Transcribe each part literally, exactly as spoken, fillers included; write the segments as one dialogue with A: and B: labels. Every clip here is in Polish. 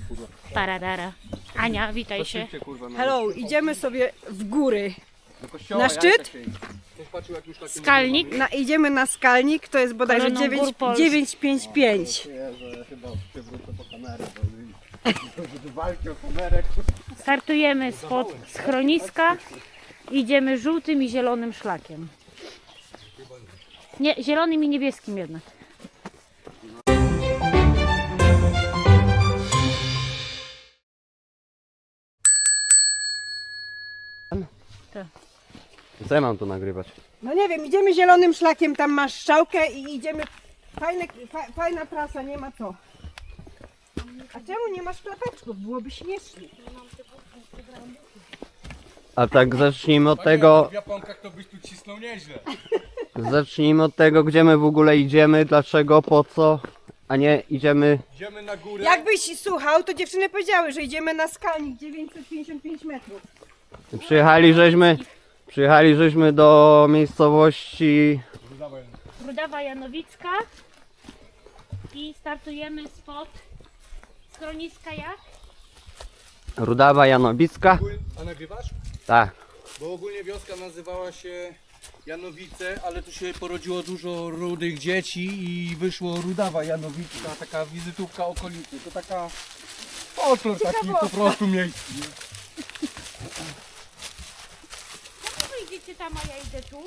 A: kurwa.
B: Paradara. Ania, witaj się.
A: Szybciej, kurwa, na
C: Hello, idziemy sobie w góry.
A: do kościoła,
C: Na szczyt?
A: Ktoś patrzył, jak już takie
B: Skalnik.
C: Na, idziemy na skalnik, to jest bodajże
B: Koroną
C: dziewięć,
B: Gór Polskich.
C: dziewięć pięć pięć.
A: Ja, że chyba przewrócę po kamerę, bo walki o kamerę.
B: Startujemy spod schroniska. Idziemy żółtym i zielonym szlakiem. Nie, zielonym i niebieskim jednak. Tak.
A: Co ja mam tu nagrywać?
C: No nie wiem, idziemy zielonym szlakiem, tam masz strzałkę i idziemy. Fajne, fa, fajna trasa, nie ma co. A czemu nie masz klapeczków? Byłoby śmiesznie.
A: A tak zacznijmy od tego,
D: W japonkach to byś tu cisnął nieźle.
A: zacznijmy od tego, gdzie my w ogóle idziemy, dlaczego, po co, a nie idziemy.
D: Idziemy na górę.
C: Jakbyś słuchał, to dziewczyny powiedziały, że idziemy na skalnik dziewięćset pięćdziesiąt pięć metrów.
A: Przyjechali żeśmy, przyjechali żeśmy do miejscowości
B: Rudawa Janowicka. I startujemy spod schroniska jak?
A: Rudawa Janowicka.
D: A nagrywasz?
A: Tak.
D: Bo ogólnie wioska nazywała się Janowice, ale tu się porodziło dużo rudych dzieci i wyszło Rudawa Janowicka, taka wizytówka okolicy. To taka folklor taki po prostu miejscu. nie?
B: Dlaczego idziecie tam, a ja idę tu?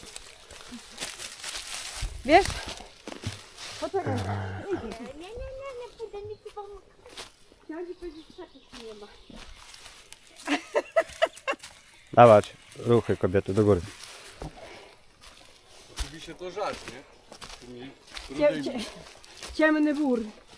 C: Wiesz? Poczekaj.
B: Nie, nie, nie, nie pójdę, nic nie pomogę.
C: Chciałam ci powiedzieć, że takich nie ma.
A: Dawać ruchy kobiety do góry.
D: Oczywiście to żart, nie? Tymi
C: Cie,
D: rudymi.
C: cie, ciemny bór.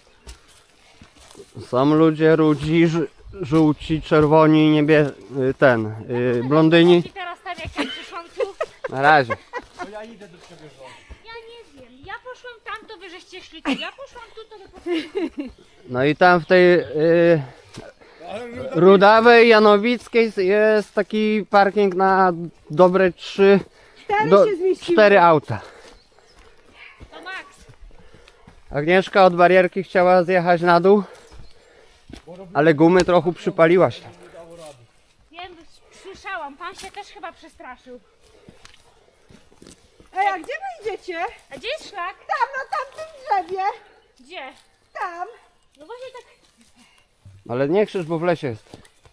A: Są ludzie rudzi, ż- żółci, czerwoni, niebie... y, ten, y, blondyni.
B: I teraz tam jak ja przyszłam tu,
A: Na razie.
D: To ja idę do ciebie żon.
B: ja nie wiem. Ja poszłam tam, to wy żeście szli tu. Ja poszłam tu, to wy poszłam.
A: No i tam w tej y,
D: Ale
A: Rudawej Janowickiej jest taki parking na dobre trzy,
C: Cztery
A: do,
C: się zmieściły.
A: cztery auta.
B: To Max.
A: Agnieszka od barierki chciała zjechać na dół, ale gumy trochę przypaliła się.
B: Wiem, słyszałam. Pan się też chyba przestraszył.
C: Ej, a gdzie wy idziecie?
B: A gdzie jest szlak?
C: Tam, na tamtym drzewie.
B: Gdzie?
C: Tam.
B: No właśnie tak.
A: Ale nie krzycz, bo w lesie jest.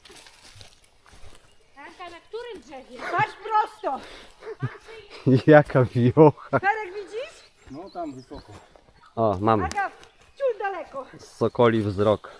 B: Anka, na którym drzewie?
C: Patrz prosto.
A: Jaka wiocha.
C: Perek widzisz?
D: No tam wysoko.
A: O, mamy.
C: Aga, ciul daleko.
A: Sokoli wzrok.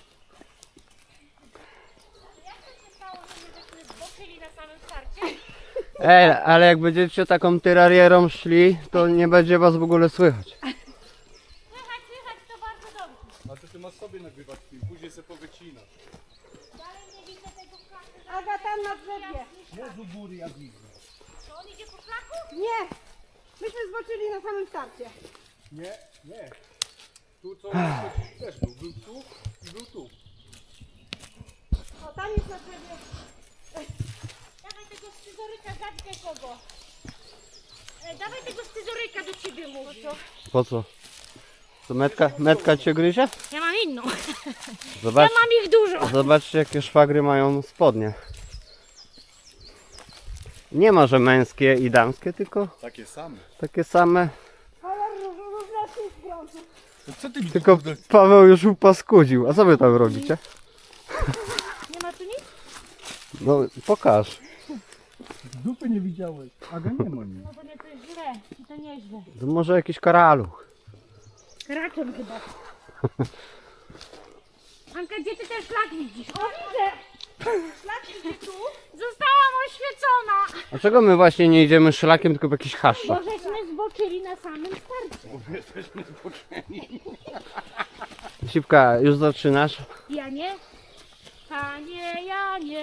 B: Jak to się stało, że my żeśmy zboczyli na samym starcie?
A: Ej, ale jak będziecie taką tyrarierą szli, to nie będzie was w ogóle słychać.
B: Słychać, słychać, to bardzo dobrze.
D: A to ty masz sobie nagrywać film, później sobie powycinasz.
B: Dalej nie widzę tego szlaku.
C: Aga, tam na drzewie.
D: Jezu góry ja widzę.
B: To on idzie po szlaku?
C: Nie. Myśmy zboczyli na samym starcie.
D: Nie, nie. Tu co też był. Był tu i był tu.
C: O, tam jest na drzewie.
B: Dawaj tego scyzoryka, zabij kogo. E, dawaj tego scyzoryka do ciebie mówi.
A: Po co? To metka, metka cię gryzie?
B: Ja mam inną.
A: Zobacz,
B: Ja mam ich dużo.
A: zobaczcie jakie szwagry mają spodnie. Nie ma, że męskie i damskie, tylko
D: Takie same.
A: takie same.
C: Ale różne jest brązu.
D: To co ty mi
A: Tylko Paweł już upaskudził. A co wy tam robicie?
B: Nie ma tu nic?
A: No pokaż.
D: Dupy nie widziałeś. Aga nie ma nic.
B: No to nie, to jest źle. To nieźle.
A: To może jakiś karaluch.
B: Rakiem chyba. Anka, gdzie ty ten szlak widzisz? O, widzę! Szlak idzie tu. Zostałam oświecona.
A: Dlaczego my właśnie nie idziemy szlakiem, tylko w jakiś
B: Bo
A: haszczach?
B: żeśmy zboczyli na samym starcie.
A: Sipka, już zaczynasz?
B: Ja nie. Panie, ja nie.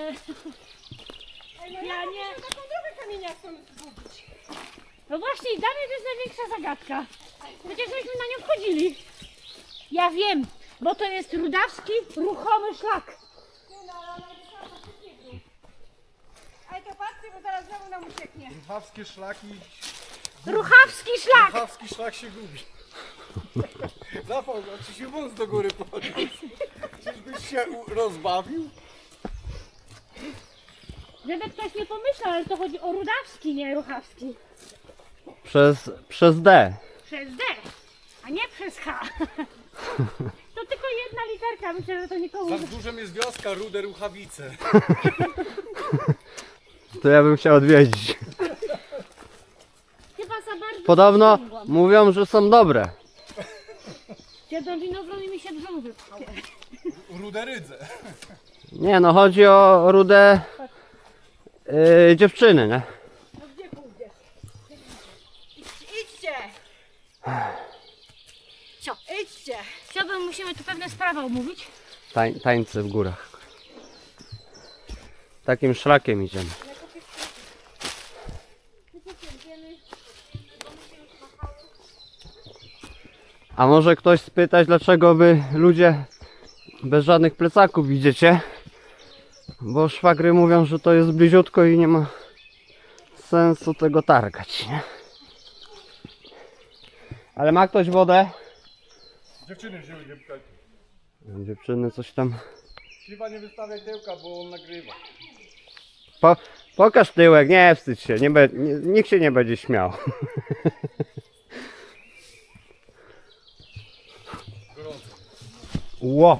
B: Ja nie.
C: Taką drogę kamieniastą zgubić.
B: No właśnie, dla mnie to jest największa zagadka. Przecież żeśmy na nią wchodzili. Ja wiem, bo to jest rudawski ruchomy szlak.
C: Nie no, ale ona jest na to nie. Ale to patrzcie, bo zaraz znowu nam ucieknie.
D: Ruchawskie szlaki.
B: Ruchawski szlak!
D: Ruchawski szlak się gubi. Zapał, a czy się wąs do góry podniósł? Czyżbyś się u- rozbawił?
B: Żeby ktoś nie pomyślał, ale to chodzi o Rudawski, nie Ruchawski.
A: Przez, przez D.
B: Przez D, a nie przez H. To tylko jedna literka, myślę, że to nikomu...
D: Za wzgórzem jest wioska Rude Ruchawice.
A: To ja bym chciał odwiedzić.
B: Chyba za bardzo...
A: Podobno
B: sięgłam.
A: mówią, że są dobre.
B: Siedzą winogron i mi się brzuch wypchał.
D: Rude Rydze.
A: Nie no, chodzi o rude yy, dziewczyny, nie?
C: No gdzie pójdziesz? Idźcie, idźcie!
B: Co?
C: Idźcie!
B: Chciałbym, musimy tu pewne sprawy omówić.
A: Tań, tańce w górach. Takim szlakiem idziemy. A może ktoś spytać, dlaczego wy ludzie bez żadnych plecaków idziecie? Bo szwagry mówią, że to jest bliziutko i nie ma sensu tego targać, nie? Ale ma ktoś wodę?
D: Dziewczyny wzięły dziewczaki.
A: Dziewczyny coś tam...
D: Chyba nie wystawiaj tyłka, bo on nagrywa.
A: Po, pokaż tyłek, nie wstydź się, nie be, nie, nikt się nie będzie śmiał.
D: Gorąco.
A: Ło!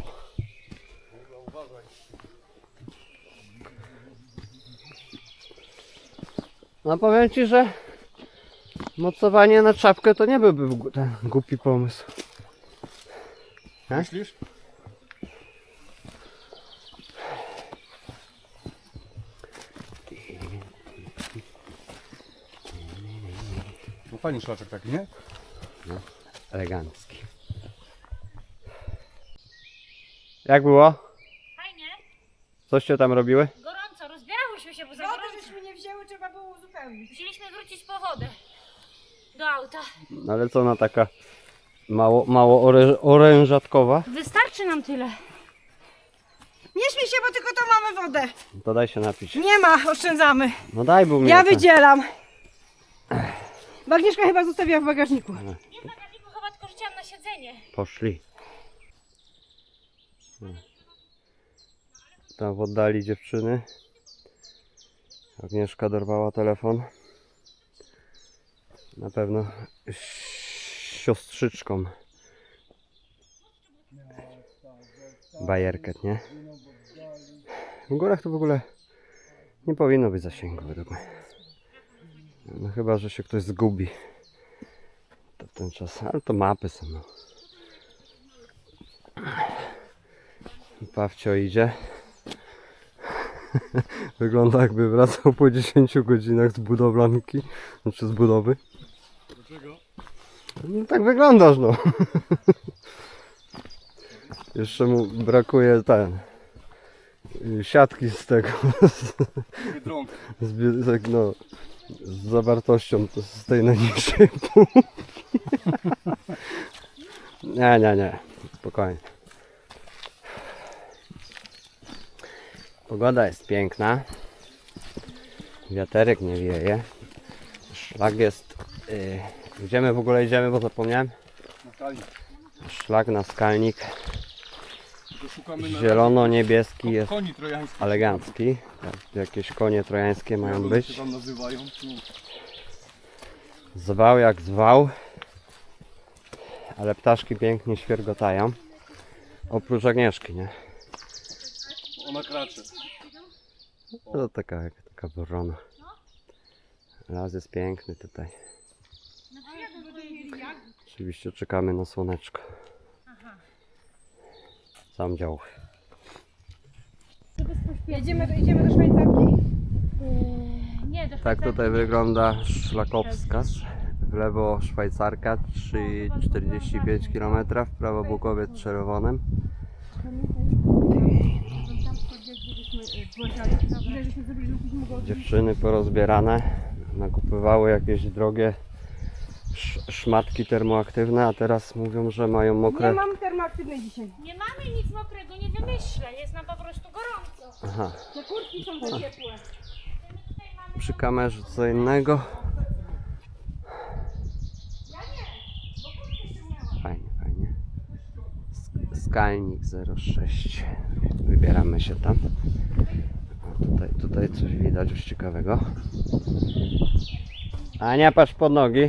A: No powiem ci, że mocowanie na czapkę to nie byłby gu- ten głupi pomysł.
D: Myślisz? No fajny szlaczek taki, nie?
A: Elegancki. Jak było?
B: Fajnie,
A: Coście tam robiły?
B: gorąco, rozbierałyśmy się, bo za
C: Wody
B: gorąco.
C: żeśmy nie wzięły, trzeba było uzupełnić.
B: Musieliśmy wrócić po wodę do auta.
A: No ale co ona taka mało, mało orę, orężatkowa?
B: Wystarczy nam tyle.
C: Nie śmiej się, bo tylko to mamy wodę.
A: To daj się napić.
C: Nie ma, oszczędzamy.
A: No daj, bo mnie
C: Ja
A: ten-
C: wydzielam. Bo Agnieszka chyba zostawiła w bagażniku.
B: Nie w bagażniku chyba tylko rzuciłam na siedzenie.
A: Poszli. Hmm. Tam w oddali dziewczyny. Agnieszka dorwała telefon. Na pewno z siostrzyczką. Bajerkę, nie? W górach to w ogóle nie powinno być zasięgu według mnie. No chyba, że się ktoś zgubi. To w ten czas, ale to mapy są. No. Pawcio idzie. Wygląda jakby wracał po dziesięciu godzinach z budowlanki, znaczy z budowy.
D: Dlaczego?
A: No tak wyglądasz, no. Jeszcze mu brakuje ten siatki z tego,
D: Biedronka.
A: z, bie- tak, no, z zawartością to z tej najniższej półki. Nie, nie, nie, spokojnie. Pogoda jest piękna. Wiaterek nie wieje. Szlak jest... Yy, gdzie my w ogóle idziemy, bo zapomniałem?
D: Na kali.
A: Szlak na skalnik.
D: To szukamy na
A: Zielono-niebieski jest
D: koni trojańskich.
A: elegancki. Tak, jakieś konie trojańskie mają
D: Jak
A: być.
D: się tam nazywają? No.
A: Zwał jak zwał. Ale ptaszki pięknie świergotają. Oprócz Agnieszki, nie?
D: Ona kracze.
A: To taka, taka worona. Las jest piękny tutaj. Oczywiście czekamy na słoneczko. Sam dział.
C: Jedziemy do, idziemy do Szwajcarki?
B: Yy, nie, do
A: Tak tutaj wygląda szlakowskaz. W lewo Szwajcarka trzy przecinek czterdzieści pięć kilometrów, w prawo Bukowiec Czerwonym. Dziewczyny porozbierane, nakupywały jakieś drogie sz szmatki termoaktywne, a teraz mówią, że mają
C: Nie
A: mokre...
C: mam termoaktywnej dzisiaj.
B: Nie mamy nic mokrego, nie wymyślę, jest nam po prostu gorąco.
A: Aha,
C: Te kurtki są za ciepłe.
A: przy kamerze co innego. Fajnie, fajnie. Sk- Skalnik zero sześć. się tam. A tutaj, tutaj coś widać już ciekawego. Ania, patrz pod nogi.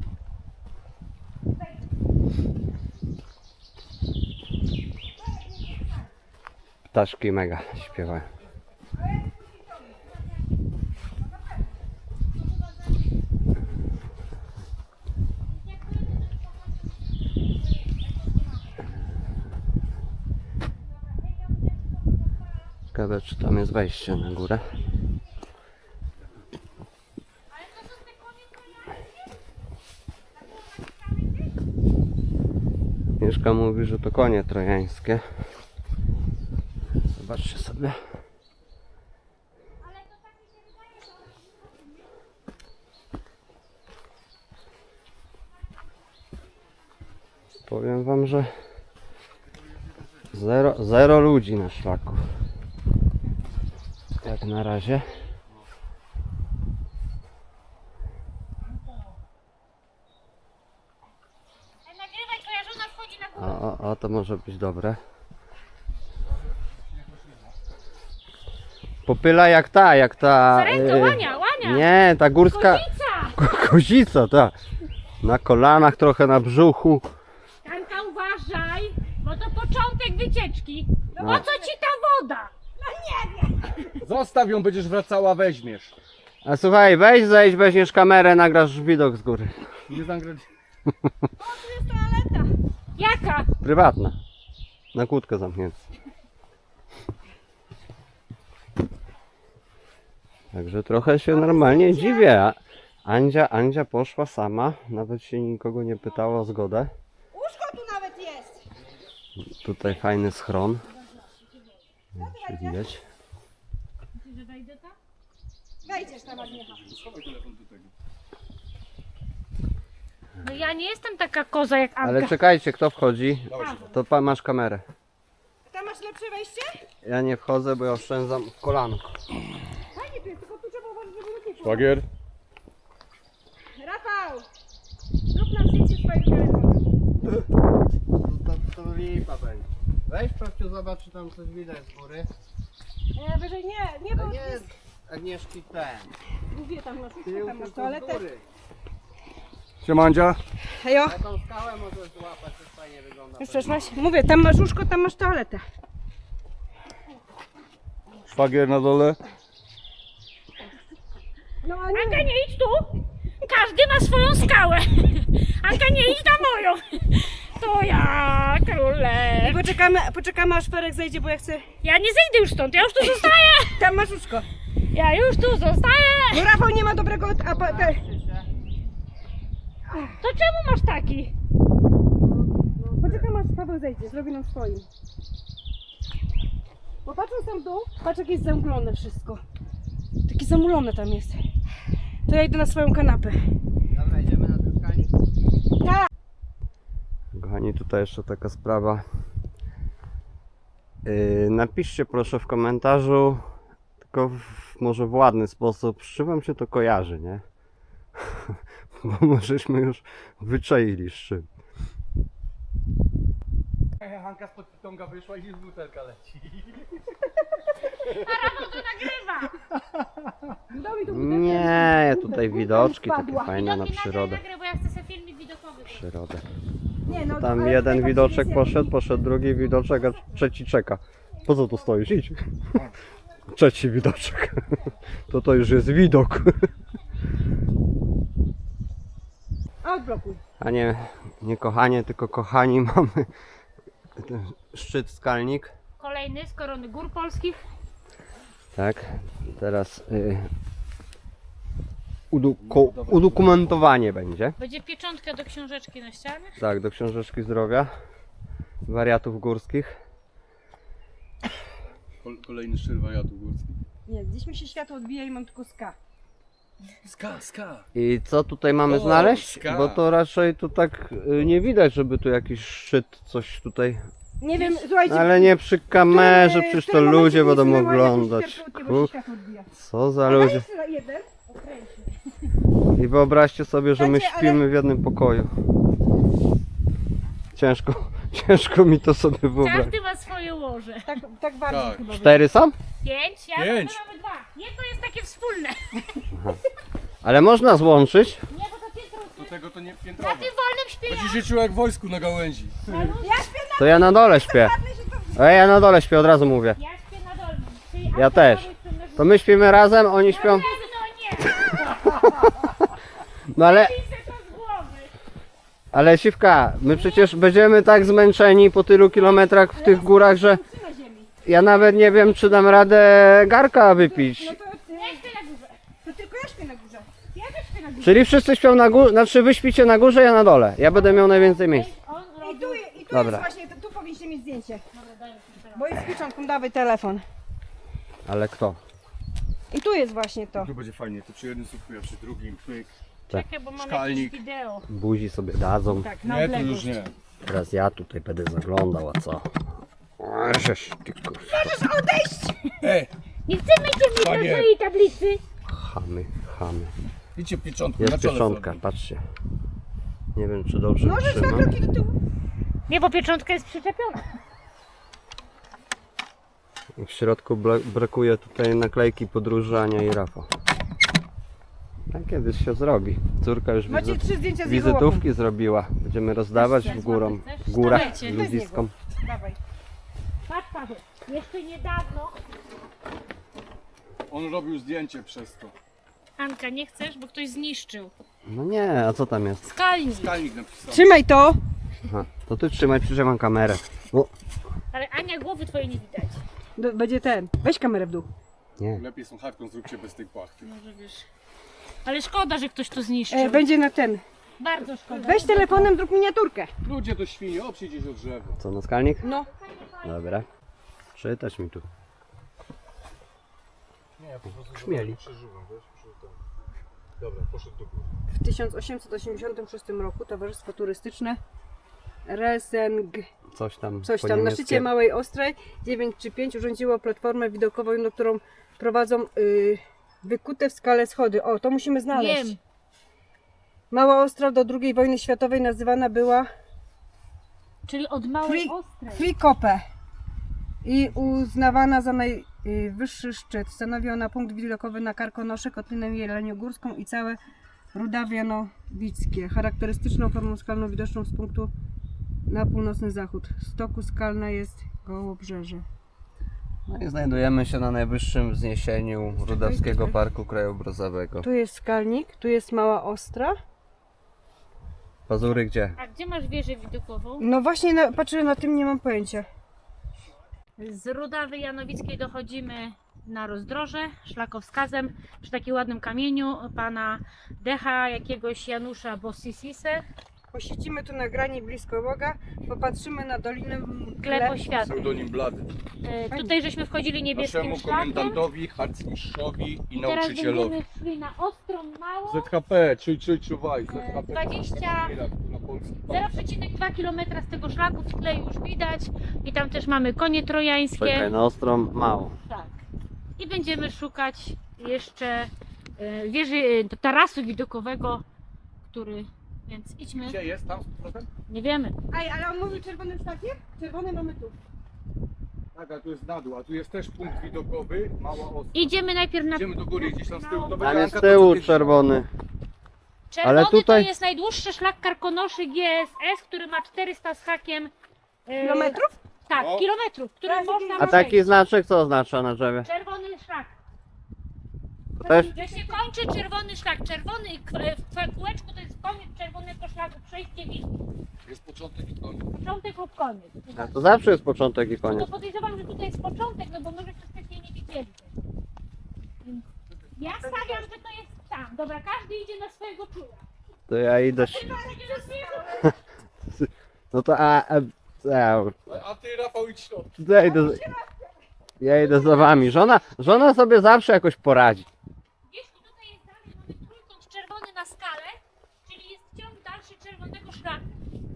A: Ptaszki mega śpiewają. Ciekawe, czy tam jest wejście na górę. Mieszka mówi, że to konie trojańskie. Zobaczcie sobie. Powiem wam, że zero, zero ludzi na szlaku. Jak na razie.
B: Nagrywaj, twoja żona wchodzi na górę.
A: O, o, o, to może być dobre. Popyla jak ta, jak ta...
B: Sarenka,
A: y,
B: łania, łania.
A: Nie, ta górska...
B: Kozica!
A: Ko- Kozica, ta. Na kolanach, trochę na brzuchu.
B: Anka, uważaj, bo to początek wycieczki. No
A: No.
B: po co ci ta woda? No nie wiem.
D: Zostaw ją, będziesz wracała, weźmiesz.
A: A słuchaj, weź zejdź, weźmiesz kamerę, nagrasz widok z góry.
D: Nie zagrać.
B: Jaka?
A: Prywatna. Na kłódkę zamknięta. Także trochę się normalnie dziwię. A Andzia, Andzia poszła sama, nawet się nikogo nie pytała o zgodę.
C: Łóżko tu nawet jest.
A: Tutaj fajny schron. Nie wiem, czy widać.
C: Wejdziesz tam, Agniecha.
B: No ja nie jestem taka koza jak Anka.
A: Ale czekajcie, kto wchodzi? To pan masz kamerę.
C: Tam masz lepsze wejście?
A: Ja nie wchodzę, bo ja oszczędzam w kolanko.
C: Fajnie tu jest, tylko tu trzeba uważać, żeby lód nie wpadł.
D: Szwagier?
C: Rafał! Zrób nam zdjęcie swoim telefonem.
A: To, to lipa będzie. Weź Prawciu, zobacz, czy tam coś widać z góry.
C: Nie, wyżej nie, nie, bo
A: Nie,
C: jest...
A: Agnieszki ten.
C: Mówię, tam masz łóżko,
A: Tył,
C: tam masz
A: tylko z
C: toaletę.
A: góry.
D: Siemandzia.
C: Hejo,
A: Na tą skałę możesz złapać, to fajnie wygląda.
C: już przeszłaś? Mówię, tam masz łóżko, tam masz toaletę.
D: Szwagier na dole.
C: No a nie,
B: Anka, nie idź tu. Każdy ma swoją skałę. Anka, nie idź na moją. To ja, króle.
C: poczekamy, poczekamy aż Ferek zejdzie, bo ja chcę...
B: Ja nie zejdę już stąd, ja już tu zostaję.
C: Tam masz łóżko.
B: Ja już tu zostaję.
C: No Rafał nie ma dobrego... A, pa- te...
B: To czemu masz taki?
C: Poczekamy aż Paweł zejdzie, zrobi nam swoim. Bo patrząc tam w dół, patrz jak jest zamglone wszystko. Takie zamulone tam jest. To ja idę na swoją kanapę.
A: Dobra, idziemy na ten skanik?
C: Tak.
A: Kochani, tutaj jeszcze taka sprawa. Yy, napiszcie proszę w komentarzu, tylko w, może w ładny sposób, z czym wam się to kojarzy, nie? Bo możeśmy już wyczaili z czym.
D: Hanka spod pitonga wyszła i z butelka leci.
B: A Rafał to nagrywa.
C: Dał mi tu
A: Nie, tutaj widoczki takie
C: Wpadła.
A: fajne na
B: Widoki
A: przyrodę.
B: nagraj, bo ja chcę sobie filmik widokowy.
A: Przyrodę.
C: Nie, no,
A: Tam
C: ale
A: jeden
C: tutaj
A: widoczek
C: patrz, jest
A: poszedł, poszedł drugi widoczek, a trzeci czeka. Po co tu stoisz? Idź. Trzeci widoczek. To to już jest widok.
C: jak- Odblokuj.
A: A nie, nie kochanie, tylko kochani, mamy ten szczyt skalnik.
B: Kolejny z korony gór polskich.
A: Tak, teraz y, udu, ko, udokumentowanie będzie.
B: Będzie pieczątka do książeczki na ścianie.
A: Tak, do książeczki zdrowia wariatów górskich.
D: Kolejny szczyt wariatów górskich.
C: Nie, gdzieś mi się światło odbija i mam tylko ska.
D: Ska, ska.
A: I co tutaj mamy
D: O,
A: znaleźć?
D: ska.
A: Bo to raczej tu tak y, nie widać, żeby tu jakiś szczyt, coś tutaj.
C: Nie wiem, słuchajcie...
A: Ale nie przy kamerze,
C: w którym-
A: przecież
C: w
A: to
C: którym momencie
A: ludzie będą
C: wysunęła jakąś
A: oglądać.
C: światłotkę, bo się
A: Ku,
C: światło odbija.
A: co za
C: A daj
A: ludzie.
C: jeszcze jeden. Okręcił.
A: I wyobraźcie sobie, że my
C: Słuchajcie, ale-
A: śpimy w jednym pokoju. Ciężko, ciężko mi to sobie wyobrazić.
B: Każdy ma swoje łoże.
C: Tak, tak bardziej
D: Tak.
C: chyba.
A: Cztery są?
B: Pięć, ja
D: Pięć.
B: my mamy dwa. Jedno jest takie wspólne.
A: Ale można złączyć.
B: Nie, bo to piętro.
D: Do tego to nie
B: Na
D: piętrowe.
B: tym wolnym śpię ja.
D: Będziesz się czuł jak w wojsku na gałęzi.
C: Ja śpię
A: To ja na dole śpię. A ja na dole śpię, od razu mówię.
B: Ja śpię na dolnym. Czyli
A: Ja
B: Anka
A: też.
B: mamy śpią na
A: To my śpimy razem, oni śpią.
B: górze. No nie,
A: No ale,
B: piszę to z głowy.
A: ale Siwka, my przecież będziemy tak zmęczeni po tylu kilometrach w tych górach, że
C: na ziemi.
A: ja nawet nie wiem, czy dam radę garka wypić.
C: No to, ty,
B: Ja śpię na górze.
C: to tylko ja śpię na górze.
B: Ja też śpię na górze.
A: Czyli wszyscy śpią na górze, znaczy wy śpicie na górze, ja na dole. Ja będę miał najwięcej miejsc.
B: On
C: I
B: robi...
C: tu, i tu
A: Dobra.
C: jest właśnie, tu powinniście mieć zdjęcie.
B: Dobra, daj mi teraz.
C: Bo jest z pieczątką, dawaj telefon.
A: Ale kto?
C: I tu jest właśnie to.
D: Tu będzie fajnie, to przy jednym słupku, a przy drugim pyk.
B: Czekaj, bo mam
D: Szkalnik.
B: jakieś wideo.
A: Buzi sobie dadzą.
C: Tak, na
D: Nie, to
C: odległość.
D: już nie.
A: Teraz ja tutaj będę zaglądał, a co? O, żeś ty kur...
D: Ej,
B: Nie chcemy cię mieć na
D: Panie.
B: swojej tablicy.
A: Chamy, chamy.
D: idźcie pieczątku
A: Jest
D: na czole
A: pieczątka,
D: sobie.
A: patrzcie. Nie wiem, czy dobrze
C: Możesz dwa
A: trzymam.
C: kroki do tyłu.
B: Nie, bo pieczątka jest przyczepiona.
A: W środku bla- brakuje tutaj naklejki podróży Ania i Rafał. Tak kiedyś się zrobi. Córka już
C: Macie
A: wizy-
C: trzy zdjęcia z jego łapą.
A: wizytówki zrobiła. Będziemy rozdawać w, górą, w górach
B: Dawajcie.
A: ludziskom.
C: Dawaj.
B: Patrz, Paweł, jeszcze niedawno.
D: On robił zdjęcie przez to.
B: Anka, nie chcesz, bo ktoś zniszczył.
A: No nie, a co tam jest?
B: Skalnik.
D: Skalnik napisał.
C: Trzymaj to.
A: Aha, to ty trzymaj, przecież ja mam kamerę. O,
B: Ale Ania, głowy twojej nie widać.
C: Do, będzie ten. Weź kamerę w dół.
A: nie.
D: Lepiej słuchawką zróbcie bez tej płachty.
B: Może wiesz. Ale szkoda, że ktoś to zniszczył.
C: E, będzie na ten.
B: Bardzo szkoda.
C: Weź telefonem, zrób miniaturkę.
D: Ludzie to świnie, obsie gdzieś od drzewa.
A: Co, na skalnik?
C: No.
A: Dobra. Czytać mi tu.
D: Nie, ja po prostu
A: Krzmieli.
D: przeżuwam, wiesz? Przeżuwam. Dobra, poszedł do góry.
C: W tysiąc osiemset osiemdziesiątym szóstym roku Towarzystwo Turystyczne Reseng,
A: Coś tam
C: coś
A: po
C: tam, na
A: niemieckie.
C: szczycie Małej Ostrej dziewięć trzy pięć urządziło platformę widokową, na którą prowadzą y, wykute w skale schody. O, to musimy znaleźć.
B: Wiem.
C: Mała Ostra do drugiej wojny światowej nazywana była
B: Czyli od małej
C: Free,
B: ostrej.
C: Frikope i uznawana za najwyższy szczyt. Stanowi ona punkt widokowy na Karkonosze, Kotlinę Jeleniogórską i całe Rudawianowickie. Charakterystyczną formą skalną widoczną z punktu na północny zachód. Stoku skalna jest Gołobrzeże.
A: No i znajdujemy się na najwyższym wzniesieniu Rudawskiego Parku Krajobrazowego.
C: Tu jest skalnik, tu jest Mała Ostra.
A: Pazury gdzie?
B: A gdzie masz wieżę widokową?
C: No właśnie, na, patrzę na tym, nie mam pojęcia.
B: Z Rudawy Janowickiej dochodzimy na rozdroże szlakowskazem przy takim ładnym kamieniu pana Decha jakiegoś Janusza Bossisise.
C: Posiedzimy tu na grani blisko Boga, popatrzymy na Dolinę
B: Gleb Świata.
D: Pseudonim Blady.
B: E, tutaj żeśmy wchodzili niebieskim
D: Naszemu
B: szlakiem.
D: komendantowi, harcmistrzowi i
B: Teraz
D: nauczycielowi.
B: będziemy szli na Ostrą Małą.
D: Z H P, czuj, czuj, czuwaj. Z H P.
B: dwadzieścia
D: Na polski
B: zero przecinek dwa kilometra z tego szlaku w tle już widać. I tam też mamy konie trojańskie.
A: Czekaj, na ostrą mało.
B: Tak. I będziemy szukać jeszcze e, wieży, e, tarasu widokowego, który... Więc idźmy.
D: Gdzie jest tam z powrotem?
B: Nie wiemy.
C: Aj, ale on mówił czerwonym szlakiem? Czerwony mamy tu.
D: Tak, a tu jest na dół, a tu jest też punkt widokowy, mała ostra.
B: Idziemy najpierw na...
D: Idziemy do góry, gdzieś tam z tyłu. To
A: Tam
D: będzie
A: jest
D: Anka,
A: z
D: to,
A: tyłu
D: co ty-
A: czerwony.
B: Czerwony
A: ale tutaj-
B: to jest najdłuższy szlak Karkonoszy G S S, który ma czterysta z hakiem... e,
C: Kilometrów?
B: Tak,
D: O.
B: kilometrów, który
C: Teraz
B: można
A: A taki
B: przejść.
A: znaczek co oznacza na drzewie?
B: Czerwony szlak.
A: To też?
B: Że się kończy czerwony szlak. Czerwony i k- w kółeczku to jest koniec czerwonego szlaku. Przejście widzi.
D: Jest początek i koniec.
B: Początek lub koniec.
A: A to zawsze jest początek i
B: No to
A: koniec.
B: podejrzewam, że tutaj jest początek, no bo może to wcześniej nie widzieli. Więc ja stawiam, że to jest tam. Dobra, każdy idzie na swojego czula.
A: To ja idę...
B: Ty masz idzie na swojego.
A: No to a... a, a
D: A ty, Rafał, idź środek.
A: to ja idę... z- Ja idę za wami. Żona, żona sobie zawsze jakoś poradzi.
B: Gdzieś tu tutaj jest dalej, mamy trójkąt czerwony na skalę, czyli jest ciąg dalszy czerwonego szlaku.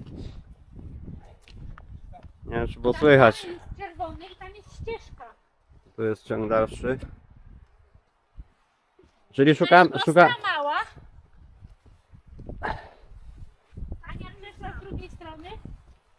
A: Nie wiem, czy było
B: Tam
A: słychać.
B: dalej jest czerwony i tam jest ścieżka.
A: Tu jest ciąg dalszy. Czyli
B: To
A: szukam...
B: jest
A: Szuka...
B: Ostra Mała. Ania przeszła z drugiej strony.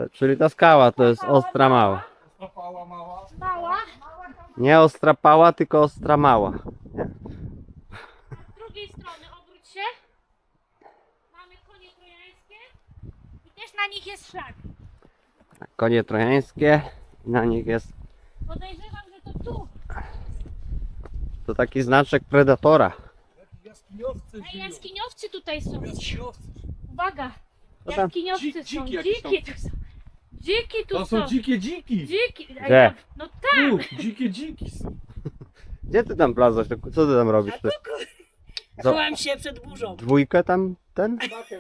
A: To, czyli ta skała to jest ostra mała.
D: Stopała mała.
B: Mała.
A: Nie ostra pała, tylko ostra mała. Nie?
B: Z drugiej strony obróć się. Mamy konie trojańskie i też na nich jest szlak.
A: Konie trojańskie, na nich jest
B: Podejrzewam, że to tu.
A: to taki znaczek predatora.
D: Jaskiniowcy
B: A
D: żyją.
B: jaskiniowcy tutaj są.
D: Jaskiniowcy.
B: Uwaga.
A: Co tam?
B: Jaskiniowcy
D: Dzi-
B: są.
D: dziki jakieś tam.
B: Dziki tu są. Dziki tu
D: To
B: są.
D: są dzikie dziki.
B: Dziki. A
A: Gdzie?
B: ja- No tam.
D: Tu, dzikie dziki są.
A: Gdzie ty tam plazasz? Co ty tam robisz? Ty? Za-
C: Chowam się przed burzą.
A: Dwójkę tam ten?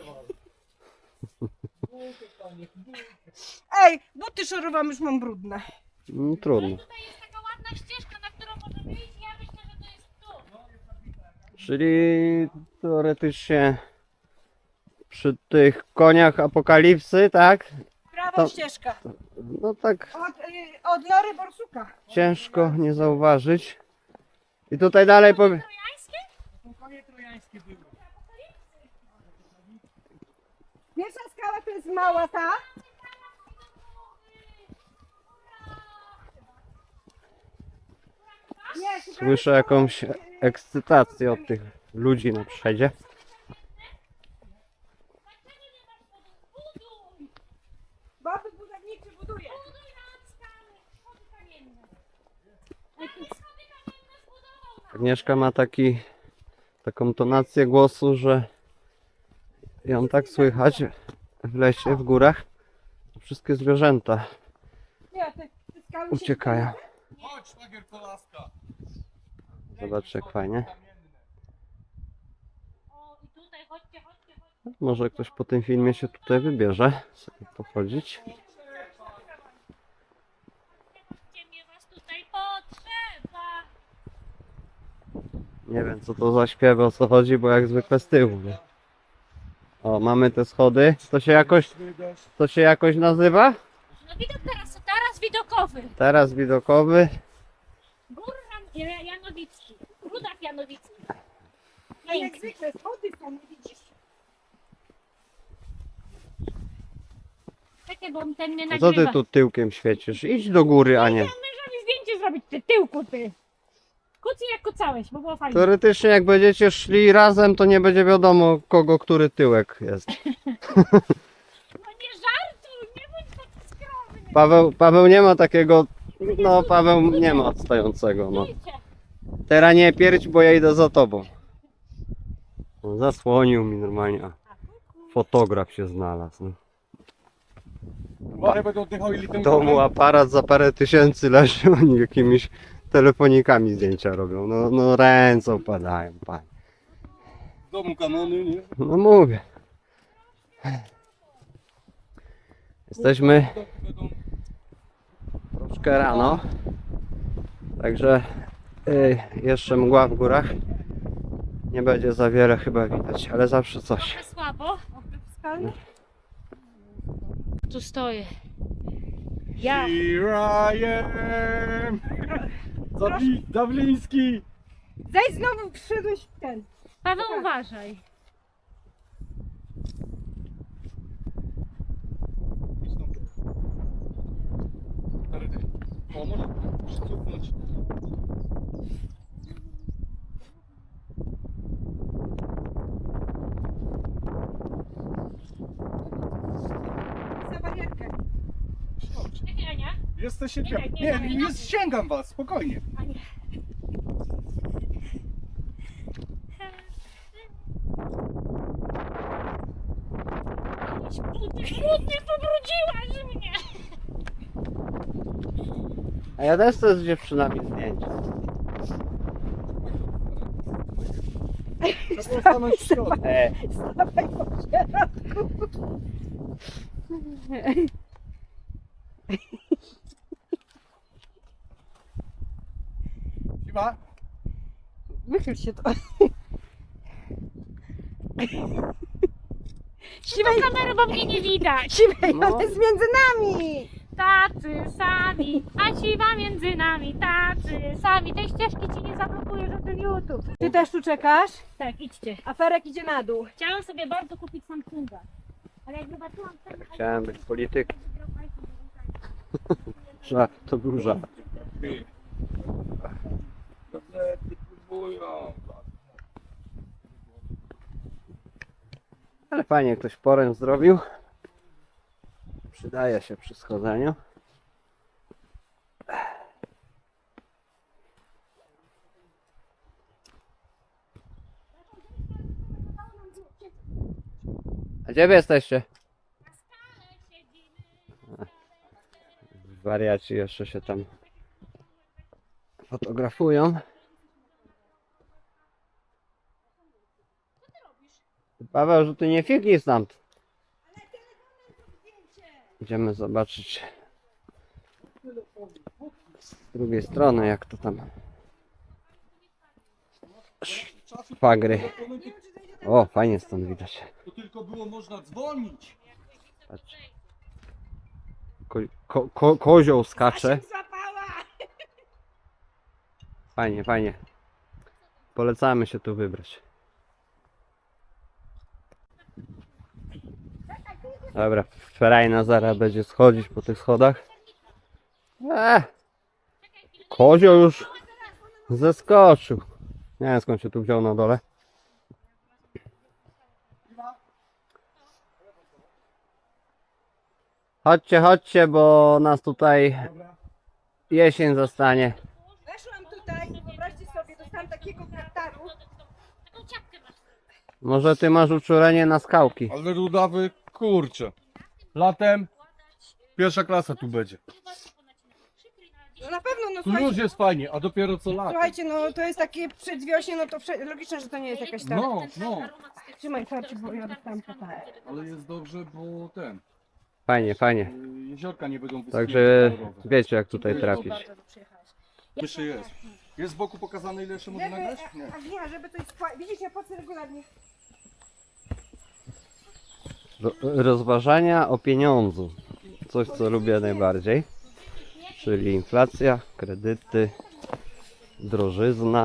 C: Ej, buty szorowam, już mam brudne.
A: No,
B: Ale
A: trudno.
B: tutaj jest taka ładna ścieżka, na którą możemy iść. Ja myślę, że to jest tu.
A: Czyli teoretycznie przy tych koniach apokalipsy, tak?
C: Prawa
A: To-
C: ścieżka.
A: No tak
C: Od, y, od nory borsuka.
A: ciężko nie zauważyć. I tutaj dalej powie...
B: Trojańskie?
D: To konie trojańskie były.
C: Pierwsza skała to jest mała ta. Nie, szukamy
A: Słyszę
C: skały,
A: jakąś
C: y,
A: ekscytację od tych ludzi na przedzie.
C: Baby budowniczy buduje.
B: Buduj nam skały. Schody kamienne. Ej, tu schody kamienne zbudował nam.
A: Agnieszka ma taki, taką tonację głosu, że ją tak słychać w lesie, w górach. Wszystkie zwierzęta
C: Nie, te, te skały się
A: uciekają.
D: Chodź, szwagier kolaska.
A: Zobaczcie jak fajnie.
B: O, i tutaj chodźcie, chodźcie, chodźcie.
A: Może ktoś po tym filmie się tutaj wybierze, sobie pochodzić.
B: Chodźcie, mnie was tutaj potrzeba.
A: Nie wiem co to za śpiewy, o co chodzi, bo jak zwykle z tyłu. Nie? O, mamy te schody. To się jakoś, to się jakoś nazywa?
B: No widok teraz, teraz widokowy.
A: Teraz widokowy.
B: Gór Jan- Ja- Janowicki. Rudak Janowicki.
C: No jak zwykle, schody są, nie widzisz.
B: Czekaj, bo ten mnie
A: A co
B: nagrywa.
A: ty tu tyłkiem świecisz? Idź do góry, a nie.
B: Mężowi zdjęcie zrobić, ty tyłku, ty. Kucy jak kucałeś, bo było fajnie.
A: Teoretycznie jak będziecie szli razem, to nie będzie wiadomo kogo który tyłek jest.
B: No nie żartuj, nie bądź taki skromny.
A: Paweł, Paweł nie ma takiego, no Paweł nie ma odstającego, no.
B: Stójcie.
A: Teraz nie pierdź, bo ja idę za tobą. No, zasłonił mi normalnie, a fotograf się znalazł. No.
D: Ale będą oddychały
A: W
D: litem
A: domu aparat za parę tysięcy leży, oni jakimiś telefonikami zdjęcia robią. No, no ręce opadają, panie.
D: W domu kanony, nie?
A: No mówię. Jesteśmy
D: Będą
A: troszkę rano, także y, jeszcze mgła w górach. Nie będzie za wiele chyba widać, ale zawsze coś.
B: Trochę słabo. Tu stoję. Ja.
D: Here I am! Zabli, Dawliński!
C: Zejdź znowu, wszedłeś w ten.
B: Paweł, uważaj.
D: O, może przycupnąć.
C: Za barierkę.
B: Czekaj, Ania.
D: Jesteście
B: Nie,
D: dwie.
B: nie,
D: Nie,
B: nie,
D: nie,
B: nie.
D: nie ściągam was, spokojnie.
B: Ania. Buty, buty, pobrudziłaś mnie.
A: A ja też chcę z dziewczynami zdjęcia.
D: Trzeba stanąć w środku.
A: E,
C: Stawaj po środku.
D: Siwa?
C: Wychyl się to.
B: Siwej kamerę, bo mnie nie widać.
C: Siwej,
A: No.
C: on jest między nami.
B: Tacy sami, a siwa między nami, tacy sami. Tej ścieżki ci nie zablokuje żaden YouTube.
C: Ty też tu czekasz?
B: Tak, idźcie.
C: Aferek idzie na dół.
B: Chciałam sobie bardzo kupić Samsunga, ale jak zobaczyłam ten...
A: chciałem być politykiem.
B: iPhone,
A: Żart, to był żart.
D: Gazety próbują.
A: Ale fajnie ktoś poręcz zrobił. Przydaje się przy schodzeniu. A gdzie wy jesteście? Wariaci jeszcze się tam fotografują. Paweł, że ty nie figli stąd. Idziemy zobaczyć z drugiej strony, jak to tam szwagry. O, fajnie stąd widać.
D: To tylko było można dzwonić.
A: Patrz. Ko ko ko kozioł skacze.
C: Złapała!
A: Fajnie, fajnie. Polecamy się tu wybrać. Dobra, Ferajna zaraz będzie schodzić po tych schodach. Eee, kozioł już zeskoczył. Nie wiem, skąd się tu wziął na dole. Chodźcie, chodźcie, bo nas tutaj jesień zostanie.
C: Weszłam tutaj i wyobraźcie sobie, dostałam takiego kartaru.
A: Może ty masz uczulenie na skałki.
D: Ale rudawy, kurczę. Latem pierwsza klasa tu będzie.
C: No na pewno, no
D: Tu już
C: słuchajcie,
D: jest fajnie, a dopiero co latem.
C: słuchajcie, no to jest takie przedwiośnie, no to wsze- logiczne, że to nie jest jakaś tam...
D: No, no.
C: Trzymaj farci, bo ja dostałam kartaru.
D: Ale jest dobrze, bo ten.
A: Fajnie, fajnie.
D: y, Jeziorka nie będą wyschnięte.
A: Także
D: kolorowe.
A: wiecie, jak tutaj trafić.
D: Jeszcze jest. Jest z boku pokazane, ile jeszcze można
C: Żeby,
D: nagrać? Nie.
C: a, a nie, żeby coś spła- widzisz, ja płacę regularnie.
A: Ro- Rozważania o pieniądzu. Coś, co lubię najbardziej. Czyli inflacja, kredyty, drożyzna,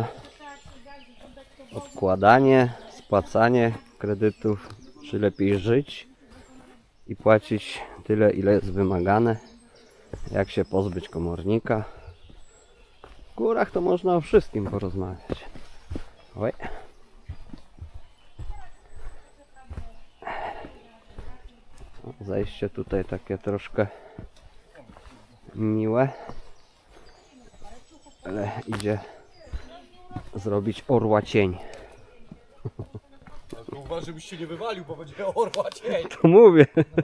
A: odkładanie, spłacanie kredytów. Czy lepiej żyć i płacić tyle, ile jest wymagane. Jak się pozbyć komornika. W górach to można o wszystkim porozmawiać. Oj. Zajście tutaj takie troszkę miłe, ale idzie zrobić orła cień.
D: Tylko uważaj, żebyś się nie wywalił, bo będzie orła cień.
A: To mówię.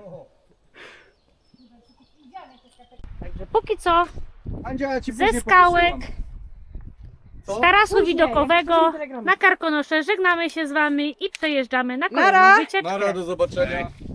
B: Także póki co
D: Andzia, ja ci
B: ze
D: później
B: skałek,
D: powysyłam.
B: z tarasu
C: Później,
B: widokowego
C: jak przyjdzie telegram.
B: na Karkonosze żegnamy się z wami i przejeżdżamy na
C: Nara!
B: kolejną wycieczkę.
D: Nara, do zobaczenia.